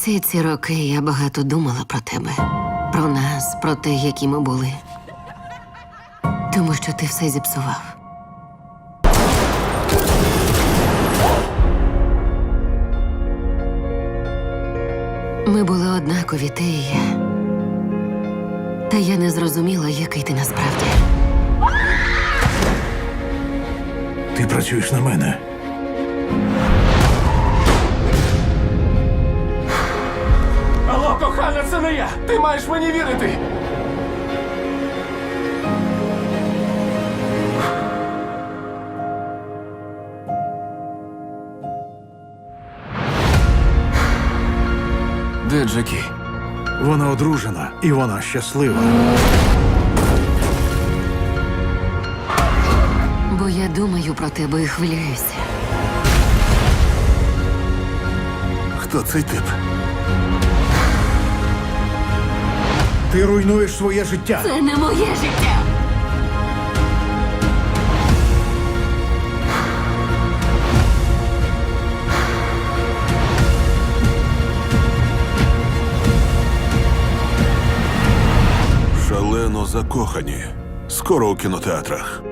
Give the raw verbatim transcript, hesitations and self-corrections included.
Всі ці роки я багато думала про тебе, про нас, про те, які ми були. Тому що ти все зіпсував. Ми були однакові, ти і я. Та я не зрозуміла, який ти насправді. Ти працюєш на мене. Алло, кохана, це не я! Ти маєш мені вірити! Де Джекі? Вона одружена, і вона щаслива. Бо я думаю про тебе і хвилююся. Хто цей тип? Ти руйнуєш своє життя. Це не моє життя! Шалено закохані. Скоро у кінотеатрах.